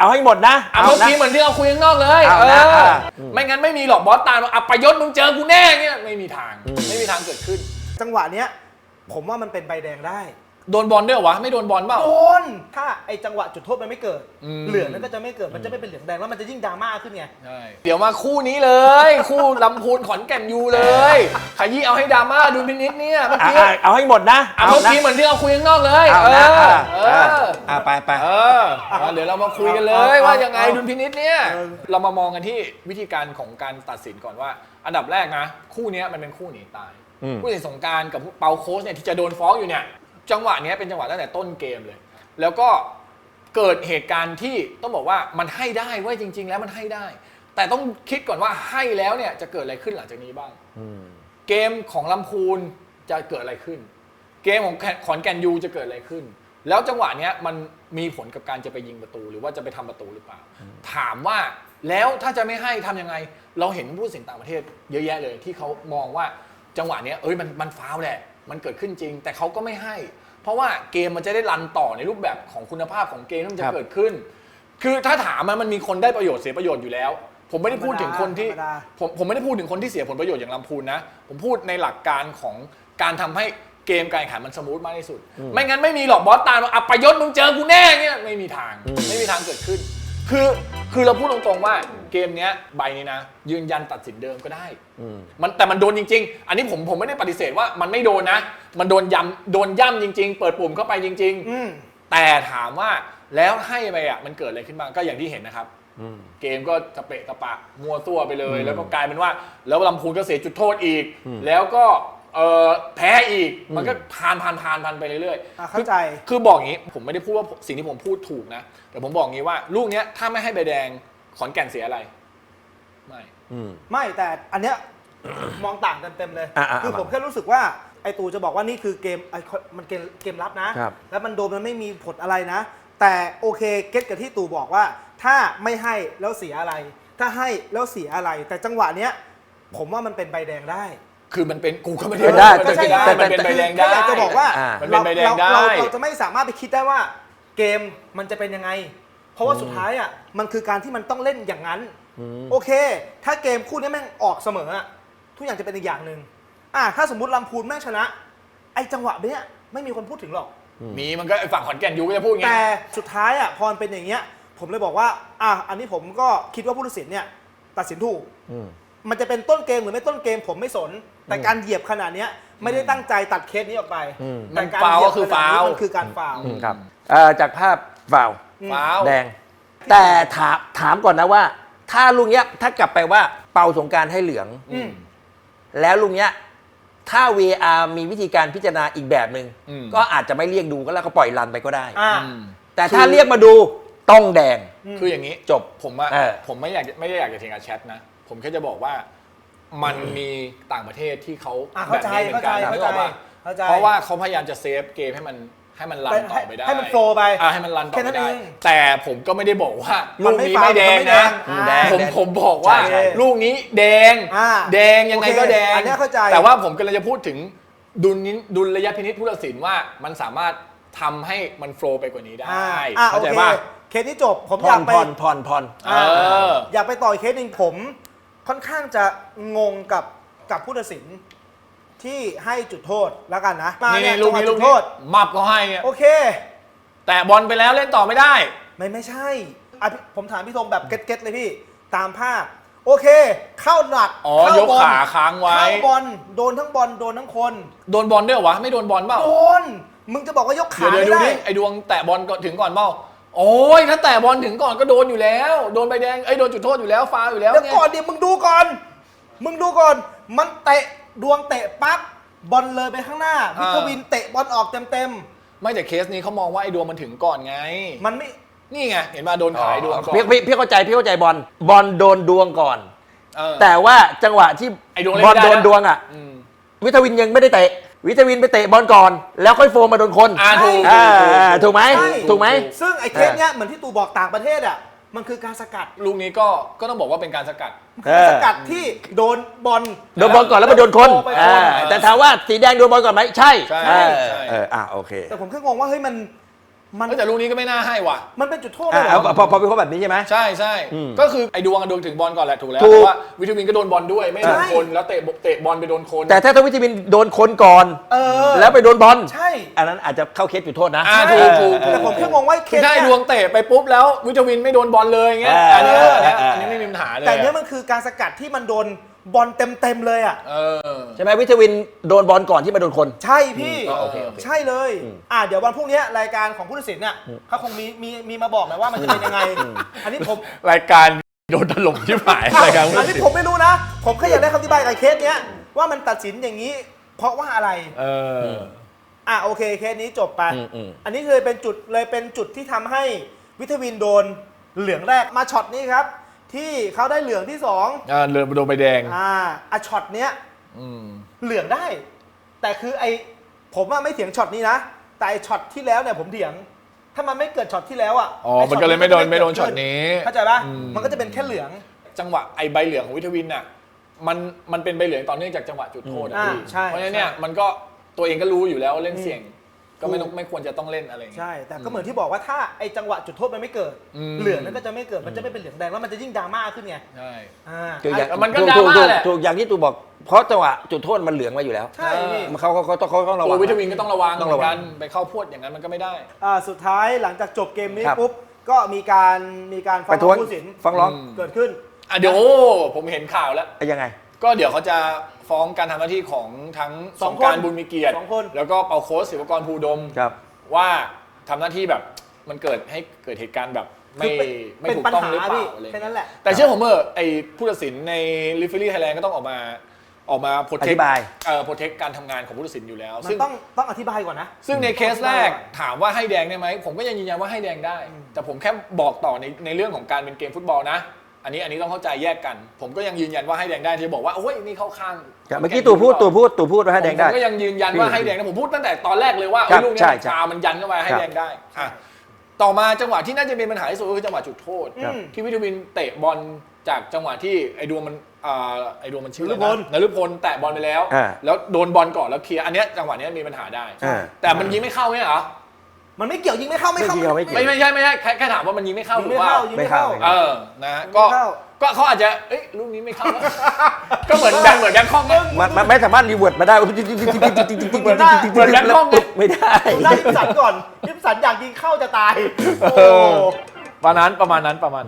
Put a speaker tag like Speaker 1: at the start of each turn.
Speaker 1: เอาให้หมดนะ
Speaker 2: เอาเมื่อกี้เหมือนที่เราคุยข้างนอกเลยไม่งั้นไม่มีหรอกบอสตามอัปยศมึงเจอกูแน่เงี้ยไม่มีทางเกิดขึ้น
Speaker 3: จังหวะเนี้ยผมว่ามันเป็นใบแดงได้
Speaker 2: โดนบอลด้วยวะไม่โดนบอลเปล่า
Speaker 3: โดนถ้าไอจังหวะจุดโทษมันไม่เกิดเหลืองนั้นก็จะไม่เกิดมันจะไม่เป็นเหลืองแดงแล้วมันจะยิ่งดราม่าขึ้นไง
Speaker 2: ใช่เดี๋ยวมาคู่นี้เลย คู่ลำพูนขอนแก่นยูเลยขยี้เอาให้ดราม่าดูพินิจเนี่ยเมื่อกี้
Speaker 1: เอาให้หมดนะ
Speaker 2: เมื่อกี้เหมือนที่เราคุยข้างนอกเลย
Speaker 1: ไป
Speaker 2: เดี๋ยวเรามาคุยกันเลยว่ายังไงดุลพินิจเนี่ยเรามามองกันที่วิธีการของการตัดสินก่อนว่าอันดับแรกนะคู่นี้มันเป็นคู่หนีตายผู้ตัดสินสงกรานต์กับเปาโค้ชเนี่ยที่จะโดนฟ้องอยู่เนี่ยจังหวะนี้เป็นจังหวะตั้งแต่ต้นเกมเลยแล้วก็เกิดเหตุการณ์ที่ต้องบอกว่ามันให้ได้เว้ยจริงๆแล้วมันให้ได้แต่ต้องคิดก่อนว่าให้แล้วเนี่ยจะเกิดอะไรขึ้นหลังจากนี้บ้างเกมของลำพูนจะเกิดอะไรขึ้นเกมของขอนแก่นยูจะเกิดอะไรขึ้นแล้วจังหวะนี้มันมีผลกับการจะไปยิงประตูหรือว่าจะไปทำประตูหรือเปล่าถามว่าแล้วถ้าจะไม่ให้ทำยังไงเราเห็นผู้ตัดสินต่างประเทศเยอะแยะเลยที่เขามองว่าจังหวะนี้มันฟาวล์แหละมันเกิดขึ้นจริงแต่เขาก็ไม่ให้เพราะว่าเกมมันจะได้รันต่อในรูปแบบของคุณภาพของเกมที่มันจะเกิดขึ้นคือถ้าถามมันมีคนได้ประโยชน์เสียประโยชน์อยู่แล้วผมไม่ได้พูดถึงคนที่ผมไม่ได้พูดถึงคนที่เสียผลประโยชน์อย่างลำพูนนะผมพูดในหลักการของการทำให้เกมการแข่งขันมันสมูทมากที่สุดไม่งั้นไม่มีหรอกบอสตามอัปยศมึงเจอกูแน่เงี้ยไม่มีทางเกิดขึ้นคือเราพูดตรงๆว่าเกมเนี้ยใบนี้นะยืนยันตัดสินเดิมก็ได้แต่มันโดนจริงๆอันนี้ผมไม่ได้ปฏิเสธว่ามันไม่โดนนะมันโดนย่ำจริงๆเปิดปุ่มเข้าไปจริงๆแต่ถามว่าแล้วให้ไปอ่ะมันเกิดอะไรขึ้นบ้างก็อย่างที่เห็นนะครับเกมก็ตะเปะตะปะมัวตัวไปเลยแล้วก็กลายเป็นว่าแล้วลำพูนก็เสียจุดโทษอีกแล้วก็แพ้อีกมันก็ผ่านไปเรื่อย
Speaker 3: ๆเข้าใจ
Speaker 2: คือบอกอย่างนี้ผมไม่ได้พูดว่าสิ่งที่ผมพูดถูกนะแต่ผมบอกอย่างนี้ว่าลูกเนี้ยถ้าไม่ให้ใบแดงขอนแก่นเสียอะไร
Speaker 3: ไม่แต่อันเนี้ยมองต่างกันเต็มเลยคือผมแค่รู้สึกว่าไอตูจะบอกว่านี่คือเกมมันเกมลับนะแล้วมันโดนมันไม่มีผลอะไรนะแต่โอเคเก็ตกับที่ตูบอกว่าถ้าไม่ให้แล้วเสียอะไรถ้าให้แล้วเสียอะไรแต่จังหวะเนี้ยผมว่ามันเป็นใบแดงได้
Speaker 2: คือมันเป็นกูก็ไม่ได้มันเป็นใบแดงได้
Speaker 3: อยากจะบอกว่า
Speaker 2: มันเป็นใบแดงได้
Speaker 3: เราจะไม่สามารถไปคิดได้ว่าเกมมันจะเป็นยังไงเพราะว่าสุดท้ายอ่ะมันคือการที่มันต้องเล่นอย่างนั้นโอเคถ้าเกมคู่นี้แม่งออกเสมอทุกอย่างจะเป็นอีกอย่างหนึ่งถ้าสมมุติลำพูนแม่งชนะไอ้จังหวะเนี้ยไม่มีคนพูดถึงหรอก
Speaker 2: มีมันก็ฝั่งขอนแก่นยูก็จะพูดไง
Speaker 3: แต่สุดท้ายพอมันเป็นอย่างเงี้ยผมเลยบอกว่าอันนี้ผมก็คิดว่าผู้ตัดสินเนี่ยตัดสินถูกมันจะเป็นต้นเกมหรือไม่ต้นเกมผมไม่สนแต่การเหยียบขนาดนี้ไม่ได้ตั้งใจตัดเคสนี้ออกไป
Speaker 2: แต่การเหยียบ
Speaker 3: ก็คือฟาวล์มันคือการฟาวล์
Speaker 1: ครับจากภาพฟาวล์แดงแต่ถามก่อนนะว่าถ้าลุงเนี้ยถ้ากลับไปว่าเป่าสงกรานต์ให้เหลืองแล้วลุงเนี้ยถ้า VR มีวิธีการพิจารณาอีกแบบหนึ่งก็อาจจะไม่เรียกดูก็แล้วก็ปล่อยรันไปก็ได้แต่ถ้าเรียกมาดูต้องแดง
Speaker 2: คืออย่างนี้
Speaker 1: จบ
Speaker 2: ผมไม่ได้อยากจะเถียงกับแชทนะผมแค่จะบอกว่ามันมีต่างประเทศที่เขาแบบนี้เหมือนกันเพราะว่าเขาพยายามจะเซฟเกมให้มันรันต่อไปได้
Speaker 3: ให้มันโฟล์ไป
Speaker 2: ให้มันรันต่อไปได้แต่ผมก็ไม่ได้บอกว่าลูกนี้ไม่แดงนะผมบอกว่าลูกนี้แดงยังไงก็แดงแต่ว่าผมกำลังจะพูดถึงดุลยพินิจผู้ตัดสินว่ามันสามารถทำให้มันโฟล์ไปกว่านี้ได้เข้าใจป่ะ
Speaker 3: เคสนี้จบผมอยากไป
Speaker 1: ผ่อน
Speaker 3: อยากไปต่อเคสหนึ่งผมค่อนข้างจะงงกับผู้ตัดสินที่ให้จุดโทษแล้วกันนะ
Speaker 2: นี่ลูกนี้โทษมับก็ให้
Speaker 3: โอเค
Speaker 2: แต่บอลไปแล้วเล่นต่อไม่ได้
Speaker 3: ไม่ใช่ผมถามพี่ธงแบบเก็ตเลยพี่ตามภาพโอเคเข้าหลัก
Speaker 2: ยกขาค้างไว้
Speaker 3: เข้าบอลโดนทั้งบอลโดนทั้งคน
Speaker 2: โดนบอลด้วยวะไม่โดนบอลเปล่า
Speaker 3: โดนมึงจะบอกว่ายกขา
Speaker 2: ไม่ได้ไอ้ดวงแตะบอลถึงก่อนเปล่าโอ้ยถ้าแตะบอลถึงก่อนก็โดนอยู่แล้วโดนใบแดงโดนจุดโทษอยู่แล้วฟาวอยู่แล้ว
Speaker 3: เดี๋ยวก่อนดิมึงดูก่อนมันเตะดวงเตะปั๊บบอลเลยไปข้างหน้าวิทวินเตะบอลออกเต็ม
Speaker 2: ไม่แต่เคสนี้เขามองว่าไอ้ดวงมันถึงก่อนไง
Speaker 3: มันไม่
Speaker 2: นี่ไงเห็นมาโดนขายดวงก่อน
Speaker 1: พี่เข้าใจบอลโดนดวงก่อนแต่ว่าจังหวะที่บอลโดนดวงวิทวินยังไม่ได้เตะวิทวินไปเตะบอลก่อนแล้วค่อยโฟมมาโดนคนถูกไหม
Speaker 3: ซึ่งไอ้เคสเนี้ยเหมือนที่ตูบอกต่างประเทศมันคือการสกัด
Speaker 2: ลูกนี้ก็ต้องบอกว่าเป็นการสกัด
Speaker 3: สกัดที่โดนบอล
Speaker 1: ก่อนแล้วมาโดนคนแต่ถามว่าสีแดงโดนบอลก่อนไหมใช่
Speaker 3: โอเคแต่ผมแค่งงว่าเฮ้ย
Speaker 2: แต่ลูกนี้ก็ไม่น่าให้ว่ะ
Speaker 3: มันเป็นจุดโทษเลยเหรอ
Speaker 1: พอเป็นเขาแบบนี้ใช่ไหม
Speaker 2: ใช่ก็คือไอ้ดวงอะดวงถึงบอลก่อนแหละถูกแล้ว
Speaker 1: ถูก
Speaker 2: แต่ว่าวิทวินก็โดนบอลด้วยไม่โดนคนแล้วเตะบอลไปโดนคน
Speaker 1: แต่ถ้าวิทวินโดนคนก่อน แล้วไปโดนบอล
Speaker 3: ใช่
Speaker 1: อันนั้นอาจจะเข้าเคสจุดโทษนะ
Speaker 2: ถูก
Speaker 3: แต่ผมแค่งงว่าเค
Speaker 2: คือ
Speaker 3: ส
Speaker 2: ถ้าไอ้ด
Speaker 3: เนี่
Speaker 2: วย งเตะไปปุ๊บแล้ววิทวินไม่โดนบอลเลยอย่างเงี้ยอันนี้ไม่มีปัญหาเลย
Speaker 3: แต่เนี้ยมันคือการสกัดที่มันโดนบอลเต็มเลยอ่ะ
Speaker 1: ใช่ไหมวิทวินโดนบอลก่อนที่มาโดนคน
Speaker 3: ใช่พี่
Speaker 2: โอเค
Speaker 3: ใช่เลยเดี๋ยววันพรุ่งนี้รายการของผู้ตัดสินเนี่ยเขาคงมีมาบอกนะว่ามันจะเป็นยังไง อันนี้ผม
Speaker 2: รายการโดนถล่มที่หายรายการ
Speaker 3: อันนี้ผมไม่รู้นะ ผมแค่อยากได้คำอธิบายกับเคสเนี้ยว่ามันตัดสินอย่างนี้ เพราะว่าอะไรโอเคเคสนี้จบไปอันนี้เลยเป็นจุดที่ทำให้วิทวินโดนเหลืองแรกมาช็อตนี้ครับที่เขาได้เหลืองที่2
Speaker 2: เหลืองโดนใบแดง
Speaker 3: ช็อตเนี้ยเหลืองได้ แต่คือผมว่าไม่เถียงช็อตนี้นะแต่ช็อตที่แล้วเนี่ยผมเถียงถ้ามันไม่เกิดช็อตที่แล้ว
Speaker 2: มันก็เลยไม่โดนช็อตนี้
Speaker 3: เข้าใจปะมันก็จะเป็นแค่เหลือง
Speaker 2: จังหวะใบเหลืองของวิทวินน่ะมันเป็นใบเหลืองต่อเนื่องจากจังหวะจุดโทษเพราะฉะนั้นเนี่ยมันก็ตัวเองก็รู้อยู่แล้วเล่นเสี่ยงก็ไม่ควรจะต้องเล่นอะไรอย่างเงี้ย
Speaker 3: ใช่แต่ก็เหมือนที่บอกว่าถ้าจังหวะจุดโทษมันไม่เกิดเหลืองนั้นก็จะไม่เกิดมันจะไม่เป็นเหลืองแดงแล้วมันจะยิ่งดราม่าขึ้นไง
Speaker 2: ใช่
Speaker 1: มันก็ดราม่าแหละถูกอย่างที่ตูบอกเพราะจังหวะจุดโทษมันเหลืองมาอยู่แล้ว
Speaker 3: ใช่
Speaker 1: เขาต้องระวัง
Speaker 2: วิทวินก็ต้องระวังกันไปเข้าพวดอย่างนั้นมันก็ไม่ได้
Speaker 3: สุดท้ายหลังจากจบเกมนี้ปุ๊บก็มีการฟ้องผู้ตัดสิน
Speaker 1: ฟ้องร้อง
Speaker 3: เกิดขึ้น
Speaker 2: เดี๋ยวผมเห็นข่าวแล้ว
Speaker 1: ยังไง
Speaker 2: ก็เดี๋ยวเขาจะฟ้องการทำหน้าที่ของทั้งสงกรานต์บุญมีเกียรติแล้วก็เปาโค้ชศิวกรภูดมว่าทำหน้าที่แบบมันเกิดเหตุการณ์แบบไม่ถูกต้องหรือเปล่าอะไรแค่นั้นแหละแต่เชื่อผมไอ้ผู้ตัดสินในลิฟฟิลี่ไทยแลนด์ก็ต้องออกมาโปรเทคการทำงานของผู้ตัดสินอยู่แล้ว
Speaker 3: ซึ่งต้องอธิบายก่อนนะ
Speaker 2: ซึ่งในเคสแรกถามว่าให้แดงได้ไหมผมก็ยังยืนยันว่าให้แดงได้แต่ผมแค่บอกต่อในเรื่องของการเป็นเกมฟุตบอลนะอันนี้ต้องเข้าใจแยกกันผมก็ยังยืนยันว่าให้แดงได้ที่บอกว่าโอ้ยนี่เข้าข้าง
Speaker 1: เมื่อกี้ตู่พูดว่าให้แดงได้
Speaker 2: ผมก็ยังยืนยันว่าให้แดงนะผมพูดตั้งแต่ตอนแรกเลยว่าลูกนี้ชามันยันเข้ามาให้แดงได้ต่อมาจังหวะที่น่าจะเป็นปัญหาที่สุดก็คือจังหวะจุดโทษที่วิทวินเตะบอลจากจังหวะที่ไอ้ดวงมันชื่อนฤพลแตะบอลไปแล้วโดนบอลก่อนแล้วเคลียร์อันนี้จังหวะนี้มีปัญหาได้แต่มันยิงไม่เข้าไหมเหรอ
Speaker 3: มันไม่เกี่ยวยิงไม่เข้าไม่ใช่
Speaker 2: แค่ถามว่ามันยิงไม่เข้าหรือ
Speaker 3: ว่า
Speaker 1: ไม่เข้า
Speaker 2: นะก็เขาอาจจะลูกนี้ไม่เข้าก็เหมือนแบงคอก
Speaker 1: มันไม่สามารถรีเวิร์ดมาได้เหมือน
Speaker 2: แบงคอก
Speaker 1: ไม่ได้
Speaker 3: ได้ยิปสันก่อนยิปสันอยากยิงเข้าจะตาย
Speaker 2: ประมาณนั้น